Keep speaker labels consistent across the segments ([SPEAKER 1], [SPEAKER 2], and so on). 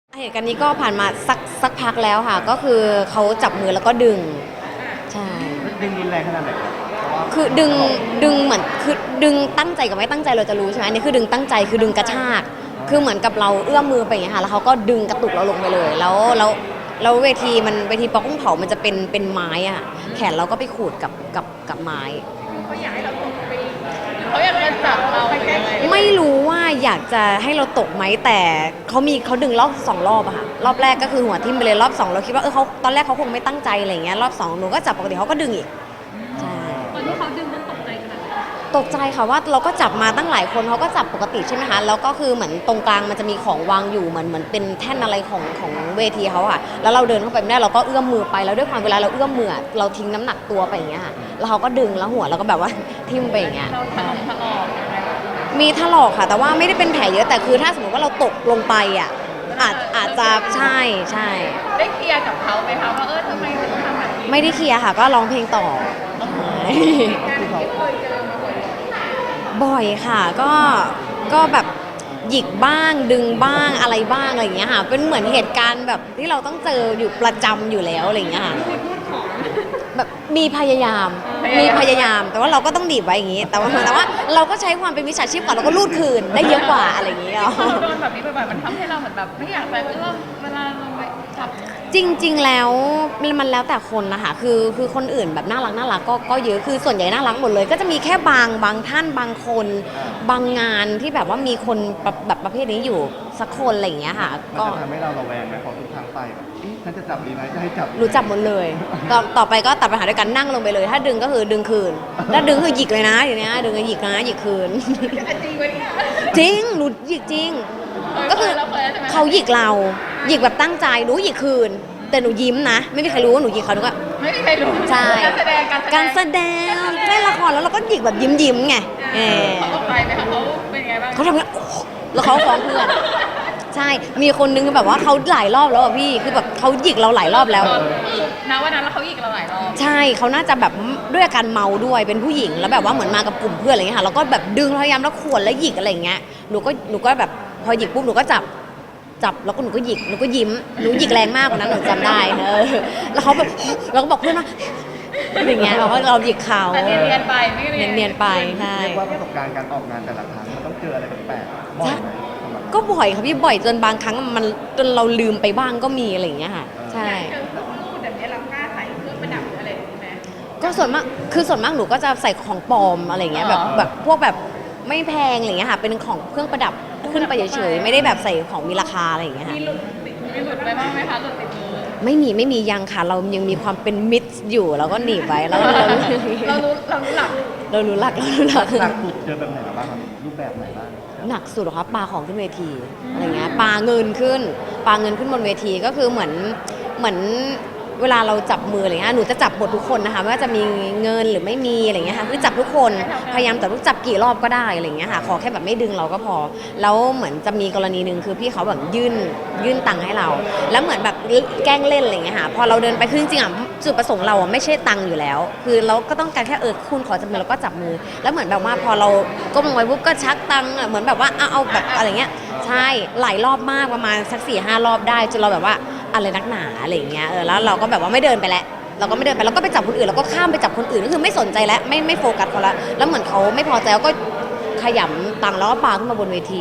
[SPEAKER 1] เหตุการณ์นี้ก็ผ่านมาสักพักแล้วค่ะก็คือเขาจับมือแล้วก็ดึงใช่
[SPEAKER 2] ดึงรุนแรงขนาดไหนครับ
[SPEAKER 1] คือดึงเหมือนคือดึงตั้งใจกับไม่ตั้งใจเราจะรู้ใช่ไหมอันนี้คือดึงตั้งใจคือดึงกระชากคือเหมือนกับเราเอื้อมมือไปอย่างเงี้ยค่ะแล้วเขาก็ดึงกระตุกเราลงไปเลยแล้วเวทีปอกุ้งเผามันจะเป็นไม้อะแขนเราก็ไปขูดกับไม้
[SPEAKER 3] เขาอยากให้เราตกไปเขาอยากจะจับเราไปแก้
[SPEAKER 1] ไม่รู้ว่าอยากจะให้เราตกไหมแต่เขาดึงรอบ2 รอบอะค่ะรอบแรกก็คือหัวทิ่มไปเลยรอบ2เราคิดว่าเขาตอนแรกเขาคงไม่ตั้งใจอะไรอย่างเงี้ยรอบ2หนูก็จับปกติเขาก็ดึงอีกใช่
[SPEAKER 3] ตอนที่เขาดึงมันตกใจขนาดไหน
[SPEAKER 1] ตกใจค่ะว่าเราก็จับมาตั้งหลายคนเขาก็จับปกติใช่ไหมคะแล้วก็คือเหมือนตรงกลางมันจะมีของวางอยู่เหมือนเป็นแท่นอะไรของเวทีเขาอะแล้วเราเดินเข้าไปไม่ได้เราก็เอื้อมมือไปแล้วด้วยความเวลาเราเอื้อมมือเราทิ้งน้ำหนักตัวไปอย่างเงี้ยค่ะแล้วเขาก็ดึงแล้วหัวเราก็แบบว่าทิ่มไปอย่างเงี้ย
[SPEAKER 3] เราถลอก
[SPEAKER 1] มีถลอกค่ะแต่ว่าไม่ได้เป็นแผลเยอะแต่คือถ้าสมมติว่าเราตกลงไปอ่ะอาจจะใช่
[SPEAKER 3] ได้เคลียร์กับเขาไหมคะว่าทำไมถึงทำแบบนี้
[SPEAKER 1] ไม่ได้เคลียร์ค่ะก็ร้องเพลงต่อบ่อยค่ะก็แบบหยิกบ้างดึงบ้างอะไรบ้างอะไรอย่างเงี้ยค่ะเป็นเหมือนเหตุการณ์แบบที่เราต้องเจออยู่ประจำอยู่แล้วอะไรอย่างเงี้ยค่ะแบบมีพยายามแต่ว่าเราก็ต้องดีบไว้อย่างงี้แต่ว่าเราก็ใช้ความเป็นวิชาชีพก่อนเราก็รูดคืนได้เยอะกว่าอะไรอย่างเงี้ย
[SPEAKER 3] เราโดนแบบนี้บ่อยๆมันทำให้เราเหมือนแบบไม่อยากไปเอื้อมเวลาเราไปจับ
[SPEAKER 1] จริงๆแล้วมันแล้วแต่คนนะคะคือคนอื่นแบบน่ารักก็เยอะคือส่วนใหญ่น่ารักหมดเลยก็จะมีแค่บางท่านบางคนบางงานที่แบบว่ามีคนแบบประเภทนี้อยู่สักคนอะไรอย่างเงี้ยค่ะ
[SPEAKER 2] ก็ทำให้เราระแวงไหมพอทุกครั้งไปแบบฉันจะจับดีไหมจะให้จับ
[SPEAKER 1] รู้จับหมดเลยต่อไปก็ตัดปัญหาด้วยกันนั่งลงไปเลยถ้าดึงก็คือดึงคืนถ้าดึงคือหยิกเลยนะอย่างเนี้ยดึงก็หยิกนะหยิกคืน
[SPEAKER 3] จริงไหมเนี่ย
[SPEAKER 1] จริงหนูหยิกจริงก็คือเขาหยิกเราหยิกแบบตั้งใจหนูหยิกคืนแต่หนูยิ้มนะไม่มีใครรู้ว่าหนูหยิกเขาหนูก็
[SPEAKER 3] ไม่มีใครรู้
[SPEAKER 1] ใช่
[SPEAKER 3] การแสดง
[SPEAKER 1] เล่นละครแล้วเราก็หยิกแบบยิ้มไง
[SPEAKER 3] เขาตกใจไหมคะเขาเป็นไงบ้าง
[SPEAKER 1] เขาทำไงแล้วเขาฟ้องเพื่อนใช่มีคนนึงแบบว่าเขาหลายรอบแล้วอ่ะพี่คือแบบเขาหยิกเราหลายรอบแล้ว
[SPEAKER 3] นะวันนั้นแล้วเขาหยิกเราหลายรอบ
[SPEAKER 1] ใช่เขาน่าจะแบบด้วยอาการเมาด้วยเป็นผู้หญิงแล้วแบบว่าเหมือนมากับกลุ่มเพื่อนอะไรเงี้ยค่ะแล้วก็แบบดึงพยายามแล้วข่วนแล้วหยิกอะไรเงี้ยหนูก็แบบพอหยิกปุ๊บหนูก็จับแล้วก็หนูก็หยิกหนูก็ยิ้มหนูหยิกแรงมากกว่านั้นหนูจำได้แล้วเขาแบบเราก็บอกเพื่อนว่าอย่างเงี้ยเราก็เราหยิกเขา
[SPEAKER 3] แต่เนียนไปไม่
[SPEAKER 1] เนียนไปใช่
[SPEAKER 2] เรียกว่าประสบการณ์การออกงานแต่ละครั้งมันต้องเจออะไรแปลกๆบ่อยไหม
[SPEAKER 1] ก็บ่อยค่ะพี่บ่อยจนบางครั้งมันจนเราลืมไปบ้างก็มีอะไรอย่างเงี้ยค่ะใช่
[SPEAKER 3] เจอพวกรูปแบบนี้เรากล้าใส่เครื่องประดับอะไรอย่างนี้ไหม
[SPEAKER 1] ก็ส่วนมากหนูก็จะใส่ของปลอมอะไรอย่างเงี้ยแบบพวกแบบไม่แพงอะไรอย่างเงี้ยค่ะเป็นของเครื่องประดับขึ้นไปเฉยๆไม่ได้แบบใส่ของมีราคาอะไรอย่างเงี้ยค่ะ
[SPEAKER 3] มีหลุดไปบ้างไหมคะหลุดติดมือ
[SPEAKER 1] ไม่มียังค่ะเรายังมีความเป็นมิตรอยู่เราก็หนีบไว้แล้วเรา
[SPEAKER 3] รู้หลัก
[SPEAKER 1] หลัก
[SPEAKER 2] หนักสุดเจอแบบไหนบ้างครับรูปแบบไหนบ้าง
[SPEAKER 1] หนักสุดเหรอคะปาของขึ้นเวทีอะไรเงี้ยปาเงินขึ้นบนเวทีก็คือเหมือนเวลาเราจับมืออะไรเงี้ยหนูจะจับหมดทุกคนนะคะไม่ว่าจะมีเงินหรือไม่มีอะไรเงี้ยค่ะคือจับทุกคนพยายามจับกี่รอบก็ได้อะไรเงี้ยค่ะขอแค่แบบไม่ดึงเราก็พอแล้วเหมือนจะมีกรณีหนึ่งคือพี่เขาแบบยื่นตังค์ให้เราแล้วเหมือนแบบแกล้งเล่นอะไรเงี้ยค่ะพอเราเดินไปคือจริงๆอ่ะจุดประสงค์เราอ่ะไม่ใช่ตังค์อยู่แล้วคือเราก็ต้องการแค่คุณขอจับมือเราก็จับมือแล้วเหมือนแบบว่าพอเราก้มลงไปปุ๊บก็ชักตังค์เหมือนแบบว่าเอาแบบอะไรเงี้ยใช่หลายรอบมากประมาณสัก 4-5 รอบได้จนเราแบบว่าอะไรนักหนาอะไรอย่างเงี้ยแล้วเราก็แบบว่าไม่เดินไปแล้วเราก็ไม่เดินไปเราก็ไปจับคนอื่นแล้วก็ข้ามไปจับคนอื่นก็คือไม่สนใจแล้วไม่โฟกัสเขาละแล้วเหมือนเขาไม่พอใจแล้วก็ขยำตังค์แล้วก็ปาขึ้นมาบนเวที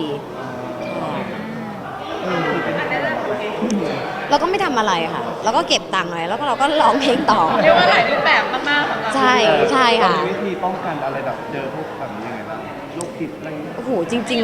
[SPEAKER 1] เราก็ไม่ทำอะไรค่ะเราก็เก็บตังค์ไว้แล้วก็เราก็ร้องเพลงต่อ
[SPEAKER 3] เรียกว่าหลายรูปแบบมากๆ
[SPEAKER 1] ใช่ค่ะ
[SPEAKER 2] มีวิธีป้องกันอะไรแบบเจอพวกแบบนี้ยังไงบ้างโรคจิตอะไร
[SPEAKER 1] โอ้โหจริง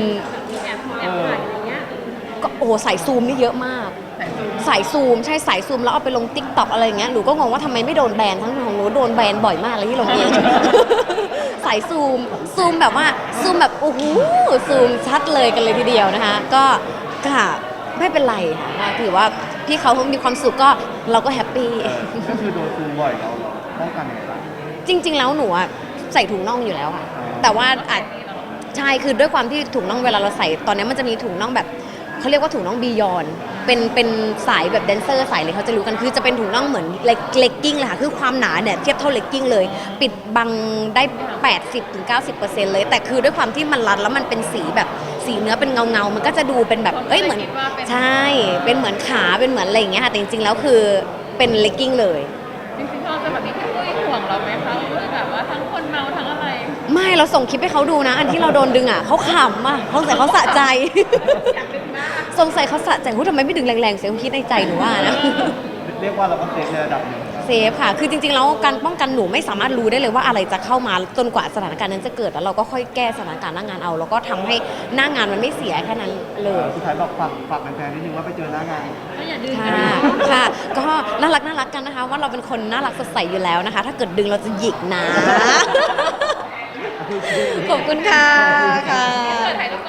[SPEAKER 1] ๆก็โอ้โหสายซูมนี่เยอะมากสายซูมใช่สายซูมแล้วเอาไปลงติ๊กต็อกอะไรอย่างเงี้ยหนูก็งงว่าทำไมไม่โดนแบนทั้งของหนูโดนแบนบ่อยมากเลยที่ลงเองสายซูมแบบว่าซูมแบบโอ้โหซูมชัดเลยกันเลยทีเดียวนะคะก็ค่ะไม่เป็นไรค่ะถือว่าพี่เขามีความสุขก็เราก็แฮปปี้
[SPEAKER 2] ก็คือโดนซูมบ่อยเราป้องกันยังไงบ้าง
[SPEAKER 1] จริงๆแล้วหนูอะใส่ถุงน่องอยู่แล้วค่ะแต่ว่าอาจใช่คือด้วยความที่ถุงน่องเวลาเราใส่ตอนนี้มันจะมีถุงน่องแบบเขาเรียกว่าถุงน่องบียอนเป็นสายแบบแดนเซอร์สายเลยเขาจะรู้กันคือจะเป็นถุงน่องเหมือนเลกกิ้งเลยค่ะคือความหนาเนี่ยเทียบเท่าเลกกิ้งเลยปิดบังได้ 80-90% เลยแต่คือด้วยความที่มันรัดแล้วมันเป็นสีแบบสีเนื้อเป็นเงามันก็จะดูเป็นแบบเอ้ยเหมือน
[SPEAKER 3] คิดว่าเป็น
[SPEAKER 1] ใช่เป็นเหมือนขาเป็นเหมือนอะไรอย่างเงี้ยค่ะแต่จริงๆแล้วคือเป็นเลกกิ้งเลย
[SPEAKER 3] จริงๆเราจะแบบนี้พี่ปุ้ยห่วงเราไหมคะว่าแบบว่าทั้งคนเมาทั้งอะไร
[SPEAKER 1] ไม่เราส่งคลิปให้เขาดูนะ อันที่เราโดนดึงอ่ะเขาขำอ่ะสงสัยเขาสะใจ
[SPEAKER 3] อยากดึงมาก
[SPEAKER 1] สงสัยเขาสะใจทำไมไม่ดึงแรงๆเสียงคิดในใจหนูว่านะ
[SPEAKER 2] เรียกว่าเราก็เซฟในระดับหนึ่ง
[SPEAKER 1] เซฟค่ะ คือจริงๆแล้วการป้องกันหนูไม่สามารถรู้ได้เลยว่าอะไรจะเข้ามาจนกว่าสถานการณ์นั้นจะเกิดแล้วเราก็ค่อยแก้สถานการณ์หน้างานเอาแล้วก็ทำให้หน้างานมันไม่เสียแค่นั้นเลย
[SPEAKER 2] สุดท้ายบอกฝากแฟนๆนิดนึงว่าไปเจอหน้างาน
[SPEAKER 3] ก็อย่าดึง
[SPEAKER 1] ค่ะค่ะ ก็น่ารักกันนะคะ ว่าเราเป็นคนน่ารักสดใสอยู่แล้วนะคะ ถ้าเกิดดึงเราจะหยิกนะ ขอบคุณค่ะค่ะ
[SPEAKER 3] ถ่ายรูป